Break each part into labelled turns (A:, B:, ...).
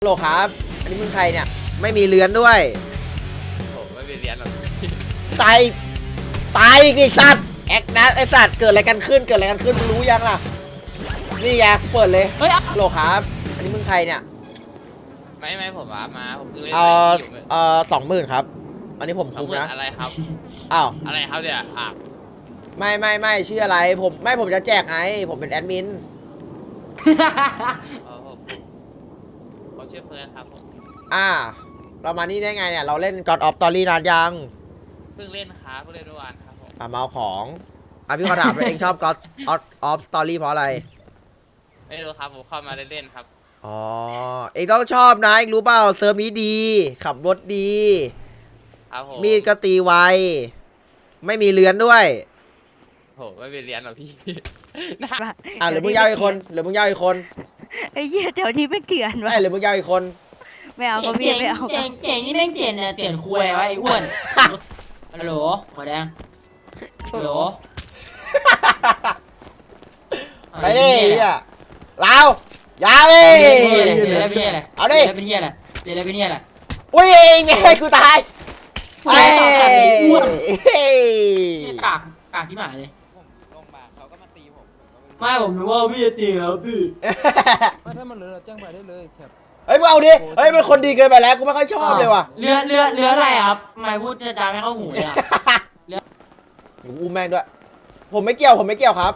A: โหลครับอันนี้มึงใครเนี่ยไม่มีเลื้อนด้วย
B: โอ้ไม่มีเรียนหรอก
A: ตายอีกดิสัตว์แอคนะไอสัตว์เกิดอะไรกันขึ้นมึงรู้ยังล่ะนี่ไงเปิดเลย
C: เฮ้ย
A: โหลครับอันนี้มึงใครเนี่ย
B: ไม่ผมว่ามาผมเพิ่งเล่น
A: 20,000ครับอันนี้ผมคุมนะ
B: อะไรครับ
A: อ้าว
B: อะไรครับเนี่ย
A: ไม่ชื่ออะไรผมจะแจกไงผมเป็นแอดมิน
B: เขาชื่อเฟิร์นครับผม
A: เรามานี่ได้ไงเนี่ยเราเล่น God of Story นานยัง
B: เพิ่งเล่นครับเพิ่งเล่นเมื่อวานครับผม
A: มาเอาของพี่ขอถามว่าเองชอบ God of Story เพราะอะไร
B: ไม่รู้ครับผมเข้ามาเล่นครับ
A: อ๋อเองต้องชอบนะเองรู้เปล่าเซิร์ฟนี้ดีขับรถดี
B: ครับผม
A: มีดก็ตีไวไม่มีเลื้อนด้วย
B: โหไม่มีเรียนหรอกพี่
A: หรือมึงยาวอีกคน
C: ไอ้เหี้ยเดี๋ยวนี้ไม่เกลื่อนวะ
A: หรือมึงยาวอีกคน
C: ไม่เอาก็ไม่เอา
D: เก่งนี่แม่งเปลี่ยนเนี่ยเปลี่ยนคุยวะไอ้อ้วนฮัลโหลหัวแดงฮัลโหล
A: ไปดิเรายาวดิเอาดิ
D: เป็นเหี้ยอะไรเป็นเหี้ยอะไร
A: อุ้ยไงกูตาย
D: ไอ้อ้วนกากที่หมายเลย
B: ผมลงมาเขาก็มาตีผม
D: ไม่ผมรู้ว่าพี่จะตีครับพี่
E: ถ้ามันเหลือแจ้งไปได้เลยครับ
A: เฮ้ยมึงเอาดิเฮ้ยเป็นคนดีเกินไปแล้วกูไม่ค่อยชอบเลยว่ะ
D: เรืออะไรครับไม่พูดจะจาไม่เข้าหูเลยอ่ะ
A: เรืออุ้มแม่งด้วยผมไม่เกี่ยวครับ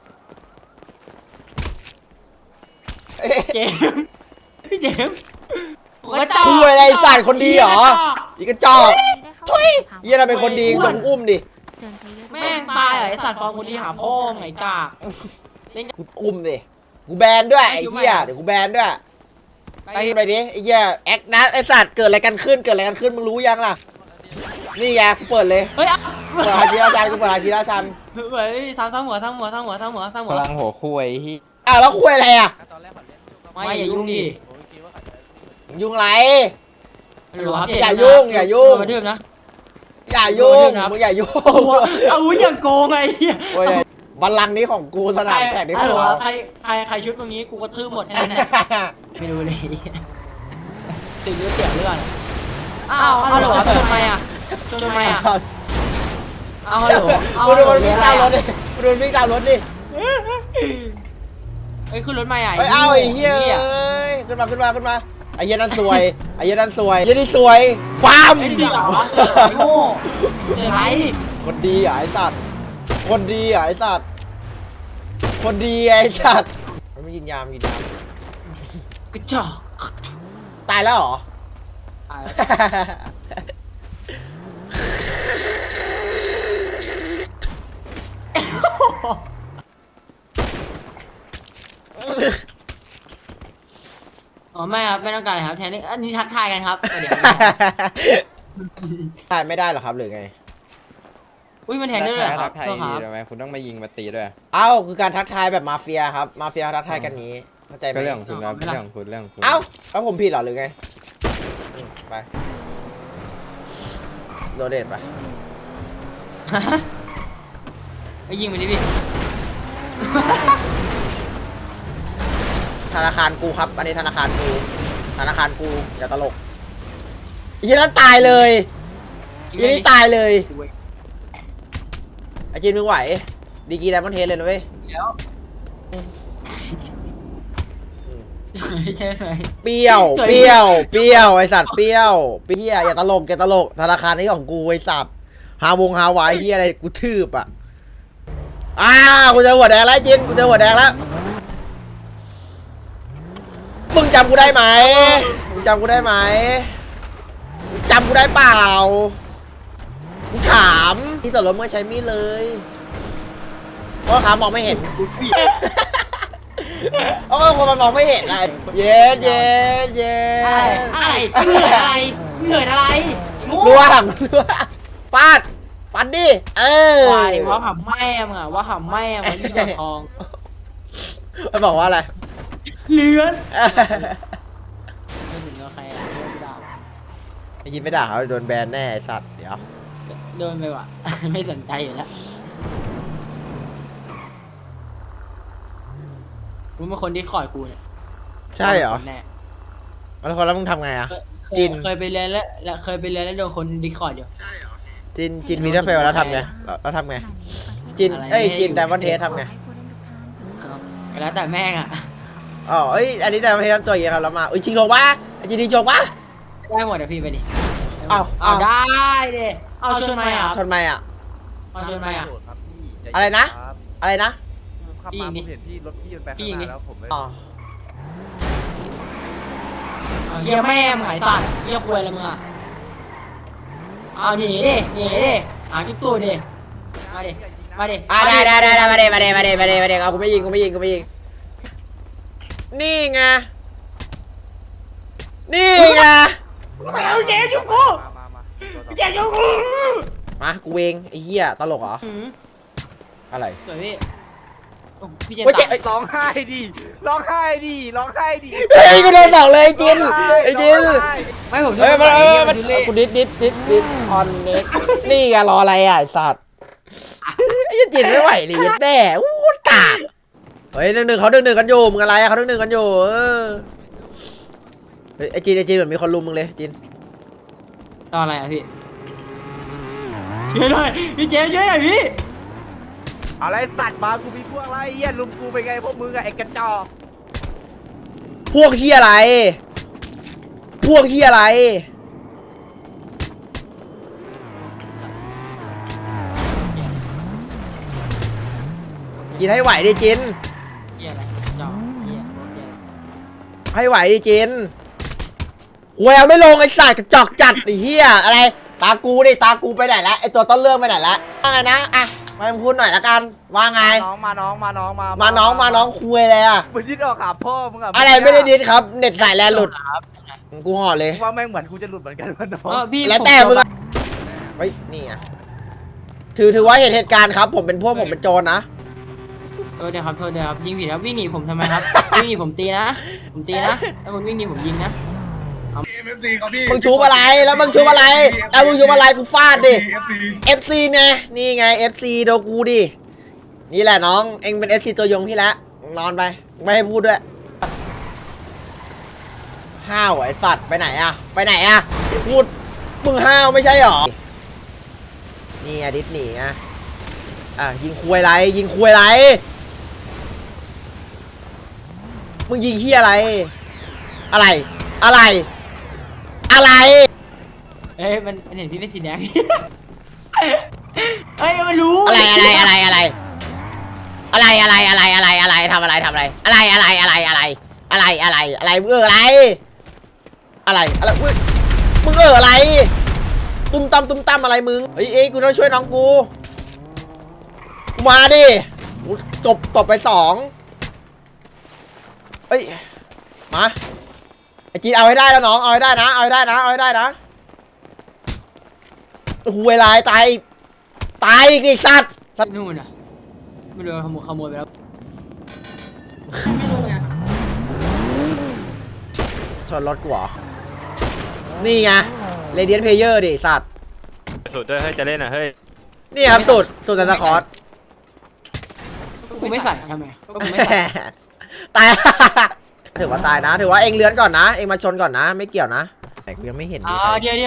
D: พี่เจม
A: คุยอะไรสารคนดีเหรออีกกระจอกทุยยี่เราเป็นคนดีต้องอุ้มดิ
D: แม่งตายไอ้สัตว์ฟองคนดีหาพ่อไงกาก
A: กูอุ้มดิกูแบนด้วยไอ้เหี้ยเดี๋ยวกูแบนด้วยไปดิไอ้เหี้ยแอคนะไอ้สัตว์เกิดอะไรกันขึ้นมึงรู้ยังล่ะนี่ไงกูเปิดเลย
D: เฮ้ย
A: เปิดฮาจิราชันกูเปิดฮาจิราชัน
D: เฮ้ยทั้งหัวพลัง
E: หัวคุยที่
A: แล้วคุยอะไร
D: ไม่อย่ายุ่งดิ
A: ยุ่งไร
D: อย่ายุ่ง
A: มาดื่ม
D: นะ
A: อย่ายุ่งมึงอย่ายุ่ง
D: เอาอย่างโกงไง
A: บัลลังก์นี้ของกูสนามแข่งนี้ของเรา
D: ใครชุดตรงนี้กูกระทืบหมดแค่นั้นไม่รู้เลยสิ่งที่เสียเลือดฮัลโหลทำไมอ่ะฮัลโหล
A: กูโดนวิ่งตามรถดิ
D: เฮ้ยขึ้นรถใหม่
A: ไอ้เหี้ยขึ้นมาไอ้เหี้ยนั่นสวยเหี้ยนี่สวยฟาร์ม
D: โง่เจ๋งไร
A: คนดีไอ้สัตว์มันไม่ยินยาม
D: กระจอก
A: ตายแล้วเหรอ
D: ตายอ๋อไม่ครับไม่ต้องการเลยครับแทนนี่อันนี้ทักทายกันครับเดี๋ยว
A: ตายไม่ได้หรอครับหรือไง
D: อุ้ยมันแทนได้เลยครับ
E: ทำไมคุณต้องมายิงมาตีด้วย
A: คือการทักทายแบบมาเฟียครับมาเฟียทักทายกันนี้เข้าใจไหม
E: เรื่องของคุณครับเรื่องของคุณ
A: แล้วผมผิดเหรอหรือไงไปโดเดตไป
D: ไปยิงไปดิพี่
A: ธนาคารกูครับอันนี้ธนาคารกูอย่าตลกยี่นั้นตายเลยยี่นี่ตายเลยไอจีนมึงไหวดีกีไดมอนเทสเลยนะเว้ยเปรี้ยวไอสัตว์เปรี้ยวอย่าตลกธนาคารนี้ของกูไอสัตว์ฮาวายที่อะไรกูทืบอ่ะกูเจอหัวแดงแล้วจินมึงจำกูได้ไหมจำกูได้เปล่ากูถามที่ต่อรถเมื่อใช้มีดเลยเพราะขามองไม่เห็นคนมันมองไม่เห็นอะไรเย็น
D: เหนื่อยอะไร
A: ล่วงฟาดฟันดิ
D: ว่าหำแม่มึงอะว่าหำแม่มึงที่จะทอง
A: มันบอกว่าอะไร
D: เลือนไม่ถึงกับใครอะ
A: ยินไม่ด่าเขาโดนแบนแน่สัตว์เดี๋ยว
D: โดนไปว่ะไม่สนใจอยู่แล้วกูเป็นคนที่คอยกูเนี่ย
A: ใช่เหรอแล้วมึงทำไงอะ จิน
D: เคยไปเรียนแล้วเคยไปเรียนแล้วโดนคนดิสคอร์ดอยู่
A: จินมีเทอร์เฟลแล้วทำไงแล้วทำไงจิน
D: อะไร
A: เอ้ย
D: ไม่
A: จิน
D: อยู่
A: ไดมอนเทสทำไง
D: แล้วแต่แม่งอ่ะ
A: อ๋อเอ้ยอันนี้ไดมอนเทสทำตัวอย่างเงี้ยครับแล้วมาชิงโชกปะจินชิงโชกปะ
D: ได้หมดอ่ะพี่ไปดิ
A: อ้าว
D: เอาได้ดิเอาชนไหมอ่ะ
A: ชนไหมอะ
D: เอาชนไหมอ่ะ
A: อะไรนะอะไรนะ
E: ขับมาผมเห็นพี่รถพี่มันไปข้างหน้าแล้วผมเลย
A: อ๋อ
D: เยี่ยแม่มึงไอ้สัตว์เยี่ยควยอะไรมึงอ่ะเอาหนีดิหากิ๊บตู้ดิมาดิ
A: ได้มาเดเอากูไม่ยิงนี่ไงมากูเองไอ้เหี้ยตลกเหรออะไร
D: สวยพี่พี่เจน
A: โอ้ยเจ๊
D: ตาย
E: ร้องไห้ดิร้องไห้ดิ
A: เฮ้ยกูโดนบอกเลยไอ้จิน
D: ไม่ผม
A: เฮ้ยมัน
D: ดูเล่
A: กูดิดออนเน็กนี่ไงรออะไรอ่ะไอ้สัตว์ไอ้จินไม่ไหวดิแน่อู้กากเฮ้ย1-1เขา1-1กันอยู่มึงอะไรอ่ะเขา1-1กันอยู่เฮ้ยไอ้จินเหมือนมีคนลุมมึงเลยจิน
D: ตอนอะไรอ่ะพี่ช่วยหน่อยพี่เจมช่วยหน่อยพี่
E: อะไรตัดมากูมีพวกอะไรเหี้ยลุมกูไปไงพวกมึงอะไอ้กระจอก
A: พวกเฮียอะไรจินให้ไหวดิจิน
D: เฮียอะไรจ่อเฮีย
A: ให้ไหวดิจินแววไม่ลงไอ้สัตว์กระจอกจัดไอ้เฮียอะไรตากูไปไหนละไอ้ตัวต้นเรื่องไปไหนละว่าไงนะอ่ะมาพูดหน่อยละกันว่าไง
E: มาน้อง
A: มาน้องคุยเลยอ่ะ
E: มึงดิ้นออกหาพ่อมึงอะ
A: อะไรไม่ได้ดิสครับเน็ตสายแลนหลุดกูห่อเลย
E: ว่าแม่งเหมือนกูจะหลุดเหมือนกันวะน้อง
D: พี่
A: แล้วแต่มึงอะเฮ้ยนี่ไงถือว่าเหตุการณ์ครับผมเป็นโจรนะ
D: โทษเดี๋ยวครับยิงผิดครับวิ่งหนีผมทำไมครับวิ่งหนีผมตีนะถ้ามึงวิ่งหนีผมยิงนะ
A: มึงชูอะไรแล้วมึงชูอะไรกูฟาดดิ FC นี่ไง FC โดกูดินี่แหละน้องเอ็งเป็น FC ตัวยงพี่แล้วนอนไปไม่ให้พูดด้วยห้าวไอสัตว์ไปไหนอะพูดมึงห้าวไม่ใช่หรอนี่ไงดิสหนีไงยิงคุยไรมึงยิงเฮียอะไร
D: เอ้ยมันเห็นพี่เป็นสีแดงเอ้ยมันรู้
A: อะไรทำอะไรมึงอะไรตุ้มตั้มอะไรมึงเฮ้ยกูต้องช่วยน้องกูมาดิตบไป2เอ้ยมาไอจีเอาให้ได้แล้วน้องเอาให้ได้นะหวยลายตายอีกดิสัตว์
D: นู่นอ่ะไม่รู้ขโมยไปแล้ว
A: ชนรถกูเหรอนี่ไงเรเดียนเพลเยอร์ดิสัตว์
F: สุดด้วยเฮ้ยจะเล่นอ่ะเฮ้ย
A: นี่ครับสุดซันตาคอร์ส
D: กูไม่ใส่ทำไมกูไม่ใส่
A: ตาย ถือว่าตายนะถือว่าเองเลื้อนก่อนนะเองมาชนก่อนนะไม่เกี่ยวนะแต่กูยังไม่เห็น
D: เดี๋ยว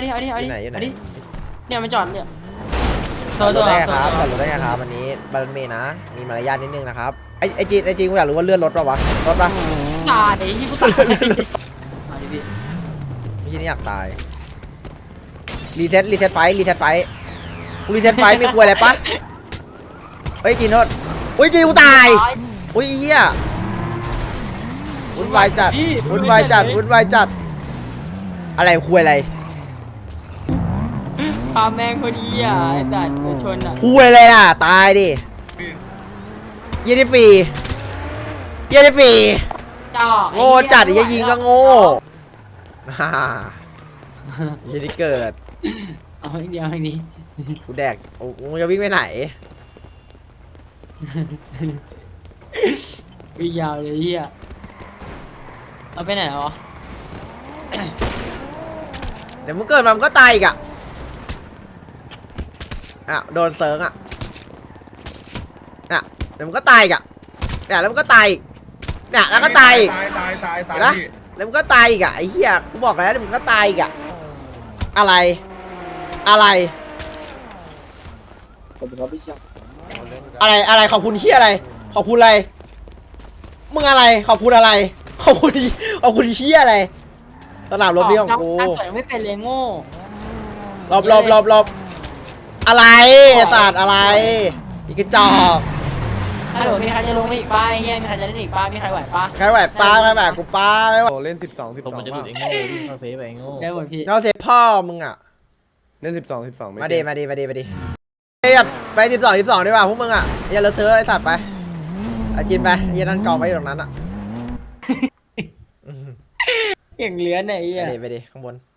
D: เนี่ยมันจอดเนี่ย
A: จอดรถได้ไงครับวันนี้บัลเมนะมีมารยาทนิดนึงนะครับไอจีกูอยากรู้ว่าเลื่อนรถป่ะวะรถป่ะ
D: ตายไอ้ที่กูตายมาดิพี่
A: ไม่ใช่นี่อยากตายรีเซ็ตไฟกูรีเซ็ตไฟไม่กลัวอะไรปะเฮ้ยจีนโทษอุ้ยจีกูตายอุ้ยเหี้ยวุ่นวายจัดอะไรคุยอะไร
D: พาแม่งคนนี้อ่ะไอ้สัตว์ชนอ่ะ
A: คุยอะไรล่ะตายดิเยี่ยดิฟรี
D: จ่อ
A: โง่จัดอย่ายิงก็โง่ ยี่ดิเกิด
D: เอาอีกเดียวอันนี้
A: กูแดกมึงจะวิ่งไปไหน
D: วิ่งยาวเลยเฮียเอาไปไหนแล้ววะ
A: เดี๋ยวมึงเกิดมามึงก็ตายอีกอ่ะโดนเซิร์งอ่ะเดี๋ยวมึงก็ตายอีกอ่ะแล้วมึงก็ตายอีกแล้วก็ตายอีก
G: ตาย
A: เห็นปะแล้วมึงก็ตายอีกอะไอ้เหี้ยกูบอกแล้วเดี๋ยวมึงก็ตายอีกอะอะไรอะไรอะไรขอบคุณเหี้ยอะไรขอบคุณอะไรมึงอะไรขอบคุณอะไรขอบคุณเหี้ยอะไรสนามรบนี้ของกู
D: การต่อยไม่เป็นเลยโง่
A: หลบอะไรไอ้สัตว์อะไรอีกกระจอก
D: ฮัลโหลมีใครจะลงมาอีกป้าไอ้เฮียมีใครจะเล่นอีกป้ามีใครไหวป้า
A: ใครไหวป้าใครไหวกูป้าไม่ไหว
E: โอ้เล่น12
G: มันจะหลุดไอ้โง่วิ่งเข้าเซฟไปไอ้โง่
D: ได้หมดพี่
A: เขาเซฟพ่อมึงอ่ะ
E: เล่น12ไม่
A: มาดีเฮ้ยไป12ดีกว่าพวกมึงอ่ะอย่าเลอะเทอะไอ้สัตว์ไปอาจินไปยันนั่นกองไว้อยู่ตรงนั้นอ่ะ
D: อย่างเลื้อนไอ้เฮีย
A: ไปดิข้างบน